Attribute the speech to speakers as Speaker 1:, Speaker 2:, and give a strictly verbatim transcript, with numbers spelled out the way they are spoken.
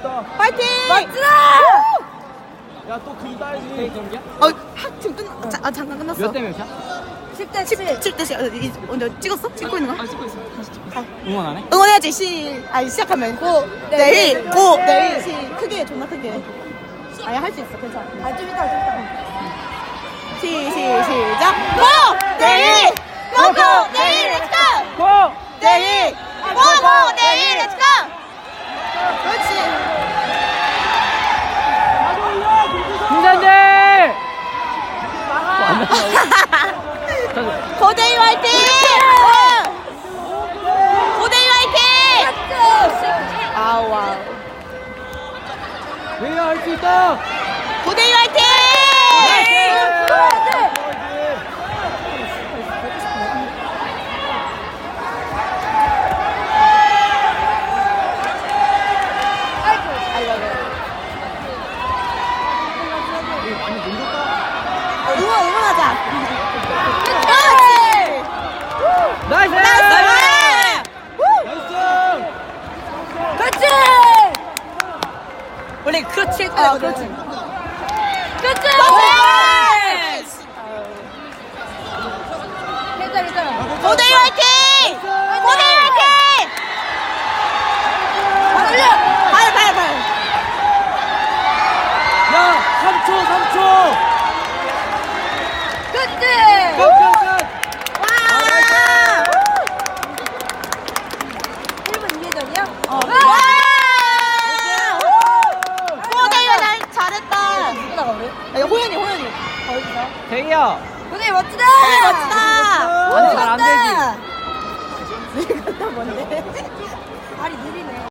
Speaker 1: 있다.
Speaker 2: 파이팅!
Speaker 3: 멋지다!
Speaker 1: 야, 또 금 따야지. 경기야?
Speaker 2: 어, 학 지금 끝, 자, 아, 잠깐 끝났어.
Speaker 1: 몇 대 몇이야?
Speaker 3: 십 대 칠.
Speaker 2: 칠 대 십. 어, 이- 언제 찍었어? 찍고 있는 거야?
Speaker 1: 아, 찍고 있어. 다시 찍고 있어. 응원 안 해?
Speaker 2: 응원해야지. 시, 아니, 시작하면. 고, 내일, 고, 내일. 시, 크게, 해, 존나 크게. 아니, 할 수 있어. 괜찮아.
Speaker 3: 아, 좀 이따, 좀 이따.
Speaker 2: 시, 시, 시작. 고! 내일! 고, 고! 내일! 렛츠고!
Speaker 1: 고!
Speaker 2: 내일! 고, 고! 내일! 렛츠고! 그렇지.
Speaker 1: 김산재!
Speaker 2: 고대희 화이팅! 고대희 화이팅! 아우, 와우.
Speaker 1: 내가 할 수 있다!
Speaker 2: 고대희 화이팅! 응원, 응원하자. 그렇지!
Speaker 1: 나이스!
Speaker 2: 나이스!
Speaker 1: 나이스!
Speaker 3: 그렇지!
Speaker 2: 원래 그렇지 할
Speaker 3: 아,
Speaker 2: 거야.
Speaker 3: 그렇지.
Speaker 2: 그렇지!
Speaker 3: 괜찮아, 괜찮아.
Speaker 2: 고대희 화이팅! 고대희 화이팅!
Speaker 3: 올려!
Speaker 2: 발, 발, 발.
Speaker 1: 야, 삼 초, 삼 초!
Speaker 3: 그렇지!
Speaker 1: 끝, 끝, 끝!
Speaker 2: 와!
Speaker 3: 일 분 이회 전이야?
Speaker 2: 어. 와! 고대희 잘 잘했다.
Speaker 3: 누구나 가래?
Speaker 2: 아, 이거 호연이, 호연이.
Speaker 3: 어디서?
Speaker 1: 대희야!
Speaker 3: 고대 멋지다!
Speaker 2: 호연이 멋지다.
Speaker 1: 아니, 잘안 되지.
Speaker 2: 이거 뭔데?
Speaker 3: 발이 느리네.